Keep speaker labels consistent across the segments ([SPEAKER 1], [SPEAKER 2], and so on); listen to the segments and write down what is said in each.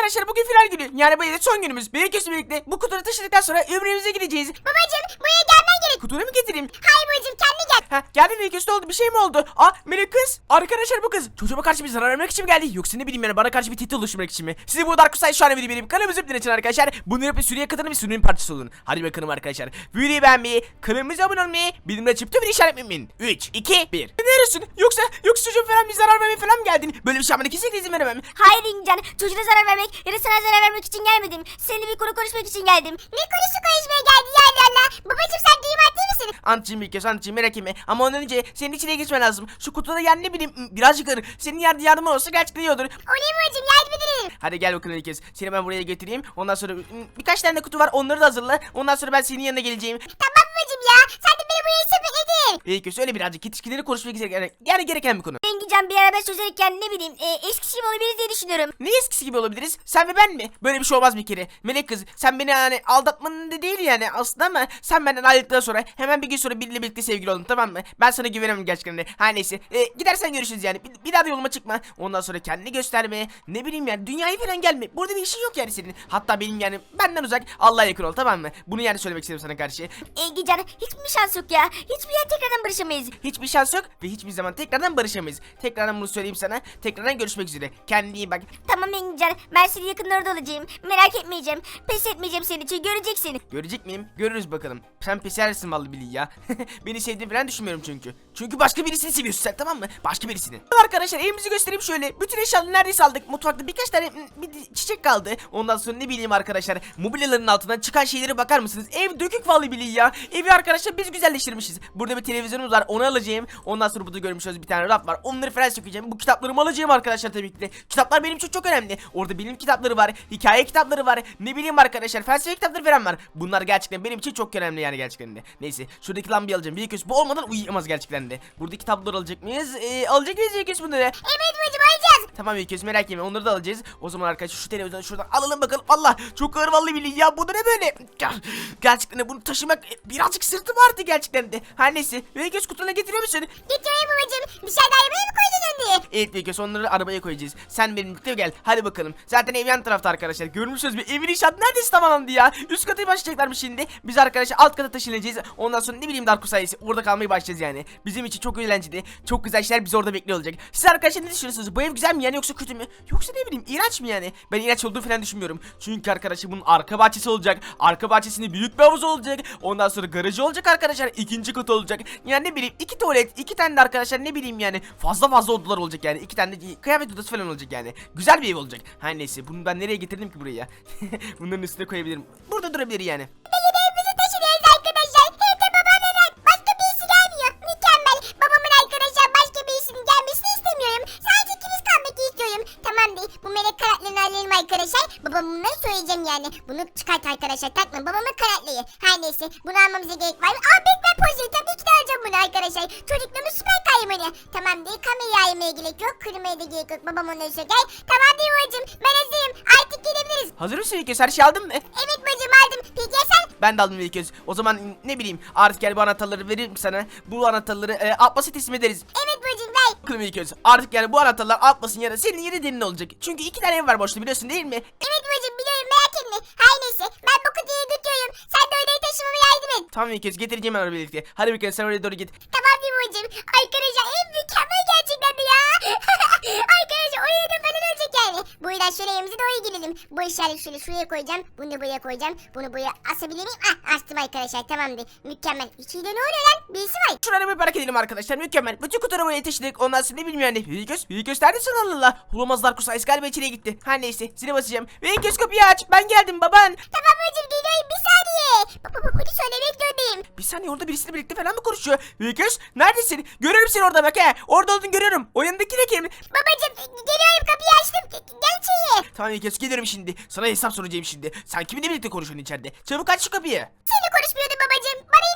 [SPEAKER 1] arkadaşlar bugün final günü. Yani bu yıl son günümüz. Büyük birlikte bu kutuyu taşıdıktan sonra ömrümüze gideceğiz.
[SPEAKER 2] Babacım buraya gelmen gerek.
[SPEAKER 1] Kutuyu mu getireyim?
[SPEAKER 2] Hayır babacım kendi gel.
[SPEAKER 1] Ha geldin Büyük ne oldu? Bir şey mi oldu? Melek kız. Arkadaşlar bu kız çocuğuma karşı bir zarar vermek için mi geldi? Yoksa ne bileyim yani bana karşı bir tehdit oluşturmak için mi? Sizi bu Dark Kusay şu an benim kanalımızı öptüğün için arkadaşlar. Bunu yapıp sürüye katılın bir sürünün parçası olun. Hadi bakalım arkadaşlar. Videoyu beğenmeyi, kanalımıza abone olmayı, bildirimleri açıp tüm işaret etmeyin. 3, 2, 1. Neresin? Yoksa çocuğum falan bir zarar vermeye falan mı geldin? Böyle bir şey yapmana kesinlikle izin veremem.
[SPEAKER 2] Hayır İngilizcan, çocuğuna zarar vermek ya da sana zarar vermek için gelmedim. Seninle bir konu konuşmak için geldim. Ne konusu konuşmaya geldin ya Allah? Babacım sen duymak değil misin?
[SPEAKER 1] Anticiğim bir kez anticiğim merak etme. Ama ondan önce senin içine geçmen lazım. Şu kutuda yani ne bileyim birazcık ağır. Senin yardımın olsa gerçekten iyi olur.
[SPEAKER 2] Oley babacım yardım edelim.
[SPEAKER 1] Hadi gel bakalım ilk kez. Seni ben buraya getireyim. Ondan sonra birkaç tane de kutu var. Onları da hazırla. Ondan sonra ben senin yanına geleceğim.
[SPEAKER 2] Tamam babacım ya. Sen de beni buraya sepetledin.
[SPEAKER 1] İlk kez öyle birazcık yetişkinleri konuşmak gereken yani gereken bir konu.
[SPEAKER 2] İngilizcan bir araba çözerken ne bileyim eskisi gibi olabiliriz diye düşünüyorum.
[SPEAKER 1] Ne eskisi gibi olabiliriz? Sen ve ben mi? Böyle bir şey olmaz bir kere. Melek kız sen beni yani aldatmanın da değil yani aslında ama sen benden ayrıldıktan sonra hemen bir gün sonra biriyle birlikte sevgili oldun tamam mı? Ben sana güvenemem gerçekten de. Her neyse. Gidersen görüşürüz yani. Bir daha da yoluma çıkma. Ondan sonra kendini gösterme. Ne bileyim yani dünyaya falan gelme. Burada bir işin yok yani senin. Hatta benim yani benden uzak Allah'a yakın ol tamam mı? Bunu yani söylemek istedim sana karşı.
[SPEAKER 2] İngilizcan hiçbir şans yok ya. Hiçbir yer tekrardan barışamayız.
[SPEAKER 1] Hiçbir şans yok ve hiçbir zaman tekrardan barışamayız. Tekrardan bunu söyleyeyim sana. Tekrardan görüşmek üzere. Kendine iyi bak.
[SPEAKER 2] Tamam İngilizcan ben senin yakınlarda olacağım. Merak etmeyeceğim. Pes etmeyeceğim senin için göreceksin.
[SPEAKER 1] Görecek miyim? Görürüz bakalım. Sen pesersin vallahi billahi ya. Beni sevdiğini falan düşünmüyorum çünkü. Çünkü başka birisini seviyorsun sen tamam mı? Başka birisini. Arkadaşlar evimizi göstereyim şöyle. Bütün eşyaları neredeyse aldık. Mutfakta birkaç tane bir çiçek kaldı. Ondan sonra ne bileyim arkadaşlar. Mobilyaların altından çıkan şeylere bakar mısınız? Ev dökük vallahi billahi ya. Evi arkadaşlar biz güzelleştirmişiz. Burada bir televizyonumuz var. Onu alacağım. Ondan sonra burada görmüş olduğunuz bir tane raf var. Onları falan sökeceğim. Bu kitaplarımı alacağım arkadaşlar tabii ki de. Kitaplar benim için çok önemli. Orada bilim kitapları var. Hikaye kitapları var. Ne bileyim arkadaşlar. Felsefe kitapları falan var. Bunlar gerçekten benim için çok önemli yani gerçekten de. Neyse. Şuradaki lambayı alacağım. Bir köşe bu olmadan uyuyamaz gerçekten de. Buradaki kitapları alacak mıyız? Alacak mıyız bir köşe bunları?
[SPEAKER 2] Evet babacım alacağız.
[SPEAKER 1] Tamam bir köşe merak etme. Onları da alacağız. O zaman arkadaşlar şu televizyonu şuradan alalım bakalım. Allah çok ağır vallahi billahi ya. Bu da ne böyle? Gerçekten de bunu taşımak birazcık sırtım vardı gerçekten de. Her neyse. Bir köşe kutuna getiriyor musun?
[SPEAKER 2] Getiriyorum babacım. Dışarıda arabaya mı koyacağız önde?
[SPEAKER 1] Evet bir köşe onları arabaya koyacağız. Sen benimle gel. Hadi bakalım. Zaten ev yan tarafta arkadaşlar. Görmüşsünüz bir evin inşaatı neredeyse tamamlandı ya. Üst katı başlayacaklarmış şimdi. Biz arkadaşlar alt kata taşınacağız. Ondan sonra ne bileyim Darko sayesi orada kalmaya başlayacağız yani. Bizim için çok eğlenceli. Çok güzel şeyler bizi orada bekliyor olacak. Siz arkadaşlar ne düşünüyorsunuz? Bu ev güzel mi yani yoksa kötü mü? Yoksa ne bileyim iğrenç mi yani? Ben iğrenç olduğunu falan düşünmüyorum. Çünkü arkadaşlar bunun arka bahçesi olacak. Arka bahçesinde büyük bir havuz olacak. Ondan sonra garajı olacak arkadaşlar. İkinci katı olacak. Yani ne bileyim iki tuvalet, iki tane de arkadaşlar ne bileyim yani. Fazla odalar olacak yani. İki tane de kıyafet odası falan olacak yani. Güzel bir ev olacak. Her neyse bunu ben nereye getirdim ki buraya? Bunların üstüne koyabilirim. Burada durabilir yani.
[SPEAKER 2] Evimizi taşınıyoruz arkadaşlar. Hem de babamla başka birisi gelmiyor. Mükemmel. Babamın arkadaşlar başka birisinin gelmesini istemiyorum. Sadece ikimiz kalmak istiyorum. Tamam değil. Bu melek kanatlarını alalım arkadaşlar. Babam bunları söyleyeceğim yani. Bunu çıkart arkadaşlar. Takma babamın kanatları. Her neyse. Bunu almamıza gerek var mı? Batman pozu. Tabii ki de alacağım bunu arkadaşlar. Çocukluğumun süper kahramanı. Tamam değil. Kamerayı aymaya gerek yok. Kırmaya da gerek yok. Babam onları söyler. Tamam değil babacım. Ben hazırım. Artık gelebiliriz.
[SPEAKER 1] Hazır mısın İlköz? Her şey aldın mı?
[SPEAKER 2] Evet bacım aldım. Peki ya sen?
[SPEAKER 1] Ben de aldım İlköz. O zaman ne bileyim artık gel bu anahtarları veririm sana. Bu anahtarları Abbas'a teslim ederiz.
[SPEAKER 2] Evet bacım ver.
[SPEAKER 1] Bakalım İlköz. Artık yani bu anahtarlar Abbas'ın yerine senin yeri derin olacak. Çünkü iki tane ev var boşta biliyorsun değil mi?
[SPEAKER 2] Evet bacım biliyorum merak etme. Her neyse ben bu kutuyu götürüyorum. Sen de odayı taşımama yardım et.
[SPEAKER 1] Tamam İlköz getireceğim ben birlikte. Hadi bakalım sen oraya doğru git.
[SPEAKER 2] Tamam değil mi bacım? Arkadaşlar en mükemmel gerçekten de ya. Arkadaşlar oyunu da falan olacak yani. Bu yüzden şöyle evimize doğru gidelim. Bu eşyaları şöyle şuraya koyacağım. Bunu da buraya koyacağım. Bunu buraya asabilir miyim? Astım arkadaşlar tamamdır. Mükemmel. İçinde ne oluyor lan? Birisi var.
[SPEAKER 1] Şuraya bir merak edelim arkadaşlar mükemmel. Bütün kutuları buraya taşıdık. Ondan sonra ne bilmiyorum yani. Büyüköz neredesin Allah Allah. Olamazlar kusayız galiba içine gitti. Her neyse zile basacağım. Büyüköz kapıyı aç. Ben geldim baban.
[SPEAKER 2] Tamam bacım geliyorum bir saniye. Baba bunu söylemek zorundayım.
[SPEAKER 1] Bir saniye orada birisiyle birlikte falan mı konuşuyor? Büyüköz neredesin? Görüyorum seni orada bak he. Orada olduğunu görüyorum. O yanındaki ne kim?
[SPEAKER 2] Babacım geliyorum kapıyı açtım. Gel içeri.
[SPEAKER 1] Tamam İlköz geliyorum şimdi. Sana hesap soracağım şimdi. Sen kiminle birlikte konuşuyorsun içeride? Çabuk aç şu kapıyı.
[SPEAKER 2] Seninle konuşmuyordum babacım. Bana inanmıyor musun?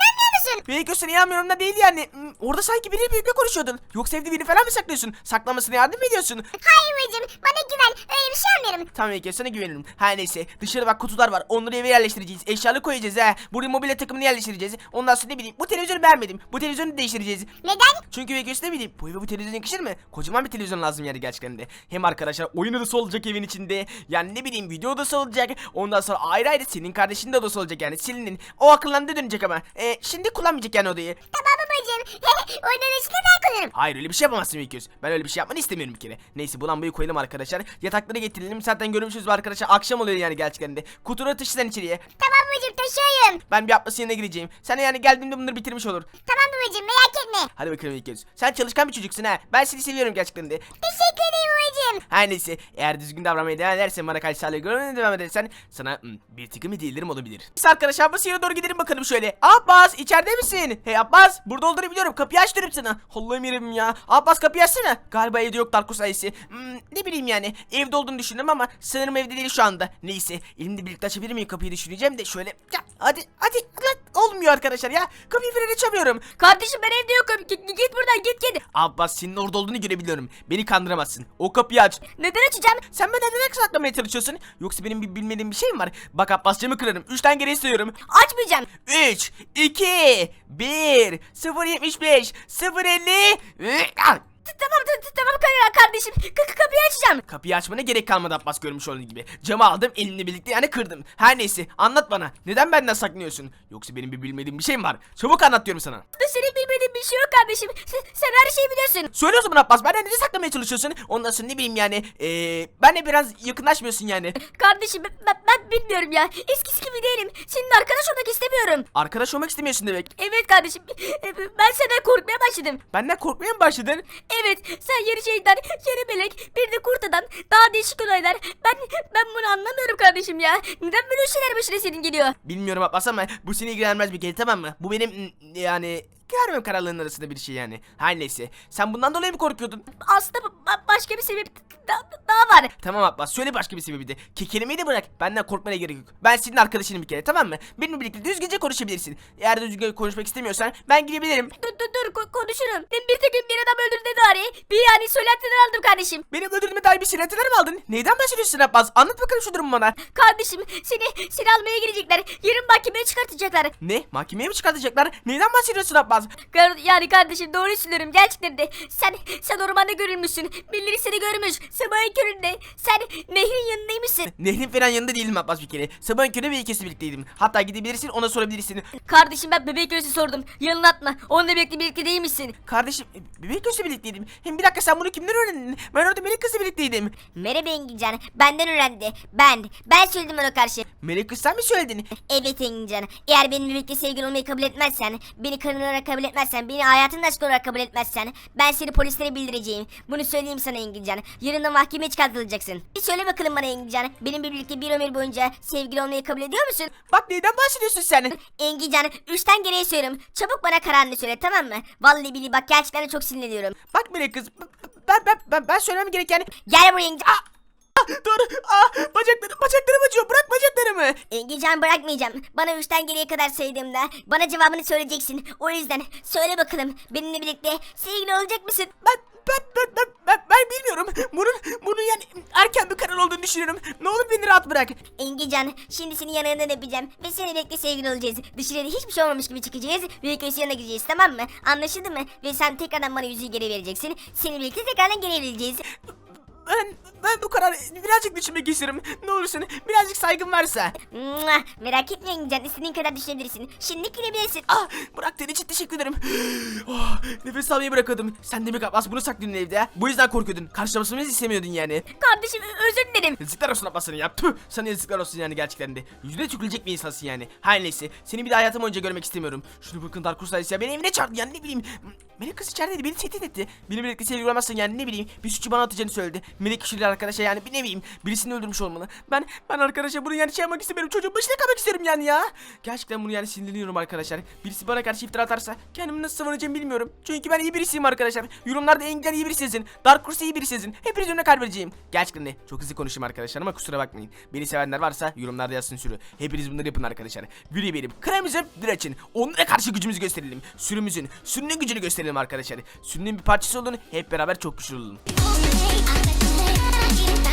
[SPEAKER 2] inanmıyorsun?
[SPEAKER 1] Büyük sen inanmıyorum da değil yani. Orada sanki biriyle birlikte konuşuyordun. Yoksa evde birini falan mı saklıyorsun? Saklamasına yardım mı ediyorsun?
[SPEAKER 2] Hayır babacığım, bana güven. Öyle bir şey yapmıyorum.
[SPEAKER 1] Tamam Büyük sana güvenirim. Her neyse dışarı bak kutular var. Onları eve yerleştireceğiz. Eşyalı koyacağız ha. Buraya mobilya takımını yerleştireceğiz. Ondan sonra ne bileyim bu televizyonu beğenmedim. Bu televizyonu değiştireceğiz.
[SPEAKER 2] Neden?
[SPEAKER 1] Çünkü Büyük ne bileyim bu eve bu televizyon yakışır mı? Kocaman bir televizyon lazım yani gerçekten de. Hem arkadaşlar oyun odası olacak evin içinde. Yani ne bileyim video odası olacak. Ondan sonra ayrı ayrı senin kardeşinin de odası olacak yani. Selin'in. O akıllandı dönecek ama. Şimdi kullanmayacak yani odayı.
[SPEAKER 2] Tamam babacığım. Oyunun içinde ben kullanırım.
[SPEAKER 1] Hayır öyle bir şey yapamazsın Büyük. Ben öyle bir şey yapmanı istemiyorum bir kere. Neyse bu lambayı koyalım arkadaşlar. Yatakları getirelim. Zaten görmüşüz arkadaşlar. Akşam oluyor yani gerçekten de. Kutuları taşı sen içeriye.
[SPEAKER 2] Tamam babacığım, taşıyorum.
[SPEAKER 1] Ben bir Abbas'ın yanına gireceğim. Sen de yani geldiğimde bunları bitirmiş olur.
[SPEAKER 2] Tamam babacığım, merak etme.
[SPEAKER 1] Hadi bakalım Büyük. Sen çalışkan bir çocuksun ha. Ben seni seviyorum gerçekten de.
[SPEAKER 2] Teşekkür ederim babacığım.
[SPEAKER 1] Her neyse eğer düzgün davranmaya devam edersen bana karşı sağlığı görmeye devam edersen sana bir tıkım hediyelerim olabilir. Biz arkadaşlar Abbas'ın yanına doğru gidelim bakalım şöyle. Abbas içeride misin? Hey Abbas burada olduğunu biliyorum, kapıyı aç diyorum sana. Allah'ım yerim ya. Abbas kapıyı açsana. Galiba evde yok Darko sayısı. Ne bileyim yani evde olduğunu düşündüm ama sanırım evde değil şu anda. Neyse elimde birlikte açabilir miyim kapıyı düşüneceğim de şöyle. Ya, hadi lan. Olmuyor arkadaşlar ya. Kapıyı falan açamıyorum.
[SPEAKER 3] Kardeşim ben evde yokum. Git buradan git.
[SPEAKER 1] Abbas senin orada olduğunu görebiliyorum. Beni kandıramazsın. O kapıyı aç.
[SPEAKER 3] Neden açacağım?
[SPEAKER 1] Sen benden neden saklamaya çalışıyorsun? Yoksa benim bilmediğim bir şey mi var? Bak Abbas camı kırarım. 3'ten geriye sayıyorum.
[SPEAKER 3] Açmayacağım.
[SPEAKER 1] 3, 2, 1, 0.75, 0.50.
[SPEAKER 3] Tamam kardeşim. Kapıyı açacağım.
[SPEAKER 1] Kapıyı açmana gerek kalmadı Abbas görmüş olduğun gibi. Camı aldım elimle birlikte yani kırdım. Her neyse anlat bana. Neden benden saklıyorsun? Yoksa benim bir bilmediğim bir şey mi var? Çabuk anlat diyorum sana.
[SPEAKER 3] Senin bilmediğin bir şey yok kardeşim. Sen her şeyi biliyorsun.
[SPEAKER 1] Söyle o zaman Abbas benden neden saklamaya çalışıyorsun? Ondan sonra ne bileyim yani. Benle biraz yakınlaşmıyorsun yani.
[SPEAKER 3] Kardeşim ben bilmiyorum ya. Eskisi gibi değilim. Senin arkadaş olmak istemiyorum.
[SPEAKER 1] Arkadaş olmak istemiyorsun demek.
[SPEAKER 3] Evet kardeşim. Ben senden korkmaya başladım.
[SPEAKER 1] Benden korkmaya mı başladın?
[SPEAKER 3] Evet, sen yarı şeytan, yarı melek, bir de kurt adam, daha değişik olaylar. Ben bunu anlamıyorum kardeşim ya. Neden böyle şeyler başına senin geliyor?
[SPEAKER 1] Bilmiyorum Abbas ama bu seni ilgilenmez bir kere, tamam mı? Bu benim yani görmem kararlarının arasında bir şey yani. Her neyse. Sen bundan dolayı mı korkuyordun?
[SPEAKER 3] Aslında başka bir sebep daha var.
[SPEAKER 1] Tamam Abbas söyle başka bir sebebi de. Kelimeyi de bırak. Benden korkmana gerek yok. Ben senin arkadaşınım bir kere, tamam mı? Benimle birlikte düzgünce konuşabilirsin. Eğer düzgün konuşmak istemiyorsan ben gidebilirim.
[SPEAKER 3] Dur konuşurum. Bir tek gün bir adam öldürdü Dari. Bir yani söylentiler aldım kardeşim.
[SPEAKER 1] Benim ödülüme dair bir silahlar mı aldın? Neyden bahsediyorsun Abbas? Anlat bakalım şu durumu bana.
[SPEAKER 3] Kardeşim seni almaya gelecekler. Yarın mahkemeye çıkartacaklar.
[SPEAKER 1] Ne? Mahkemeye mi çıkartacaklar? Neyden bahsediyorsun Abbas?
[SPEAKER 3] Yani kardeşim doğru söylüyorum gerçekten de. Sen ormanda görülmüşsün. Birileri seni görmüş. Sabahın köründe. Sen nehrin yanındaymışsın.
[SPEAKER 1] Nehrin falan yanında değilim Abbas bir kere. Sabahın körü ve ikisi birlikteydim. Hatta gidebilirsin ona sorabilirsin.
[SPEAKER 3] Kardeşim ben bebek göğsü sordum. Yalan atma. Onunla birlikte değilmişsin.
[SPEAKER 1] Kardeşim bebek kızla birlikteydim. Hem bir dakika sen bunu kimden öğrendin? Ben orada melek kızla birlikteydim.
[SPEAKER 3] Merhaba Engincan. Benden öğrendi. Ben söyledim ona karşı.
[SPEAKER 1] Melek kız sen mi söyledin?
[SPEAKER 3] Evet Engincan. Eğer benimle birlikte sevgili olmayı kabul etmezsen, beni karın olarak kabul etmezsen, beni hayatın aşkı olarak kabul etmezsen, ben seni polislere bildireceğim. Bunu söyleyeyim sana Engincan. Yarın da mahkemeye çıkartılacaksın. Bir söyle bakalım bana Engincan. Benimle birlikte bir ömür boyunca sevgili olmayı kabul ediyor musun?
[SPEAKER 1] Bak neyden bahsediyorsun sen?
[SPEAKER 3] Engincan 3'ten geriye söylüyorum. Çabuk bana kararını söyle, tamam mı? Vallahi billahi bak gerçekten de çok sinirleniyorum.
[SPEAKER 1] Bak melek kız ben söylemem gereken...
[SPEAKER 3] Gel buraya Engincan.
[SPEAKER 1] Dur. Bacaklarım acıyor. Bırak bacaklarımı.
[SPEAKER 3] Engincan bırakmayacağım. Bana 3'ten geriye kadar saydığımda bana cevabını söyleyeceksin. O yüzden söyle bakalım benimle birlikte sevgili olacak mısın?
[SPEAKER 1] Ben bilmiyorum. Bunun yani erken bir karar olduğunu düşünüyorum. Ne olur beni rahat bırak.
[SPEAKER 3] Engincan şimdi seni yanından öpeceğim ve seninle birlikte sevgili olacağız. Dışarıda hiçbir şey olmamış gibi çıkacağız ve köşe yanına gideceğiz, tamam mı? Anlaşıldı mı? Ve sen tekrardan bana yüzüğü geri vereceksin. Seninle birlikte tekrardan geri vereceğiz.
[SPEAKER 1] Ben bu kararı birazcık düşünmek istiyorum. Ne olursun birazcık saygın varsa.
[SPEAKER 3] Merak etme Engincan, istediğin kadar düşünebilirsin. Şimdi girebilirsin.
[SPEAKER 1] Bıraktığın için teşekkür ederim. Nefes almayı bırakıyordum. Sen demek Abbas bunu saklıyordun evde ha? Bu yüzden korkuyordun. Karşılamasını istemiyordun yani.
[SPEAKER 3] Kardeşim özür dilerim.
[SPEAKER 1] Yazıklar olsun Abbas sana ya. Tüh, sana yazıklar olsun yani gerçekten de. Yüzüne tükülecek bir insansın yani. Her neyse. Seni bir daha hayatım boyunca görmek istemiyorum. Şunu bakın Dark Crusades ya. Beni evine çağırdı yani ne bileyim. Melek kız içerideydi. Beni tehdit etti. Benimle birlikte sevgili olamazsın yani ne bileyim. Bir suçu bana atacağını söyledi. melek kişiler arkadaşlar, yani bir neviyim. Birisini öldürmüş olmalı. Ben arkadaşlar bunu yani şey yapmak istemiyorum. Çocuğun başına kalmak isterim yani ya. Gerçekten bunu yani sinirleniyorum arkadaşlar. Birisi bana karşı iftira atarsa kendimi nasıl savunacağımı bilmiyorum. Çünkü ben iyi birisiyim arkadaşlar. Yorumlarda Engincan iyi birisi yazın. Dark Horse iyi birisi yazın. Hepiniz önüne kalp vereceğim. Gerçekten de çok hızlı konuşayım arkadaşlar ama kusura bakmayın. Beni sevenler varsa yorumlarda yazsın sürü. Hepiniz bunları yapın arkadaşlar. Biri benim kırmızı direçin. Onlara karşı gücümüzü gösterelim. Sürünün gücünü gösterelim arkadaşlar. Sürünün bir parçası olun. Hep beraber çok güçlü olun.
[SPEAKER 2] Hey,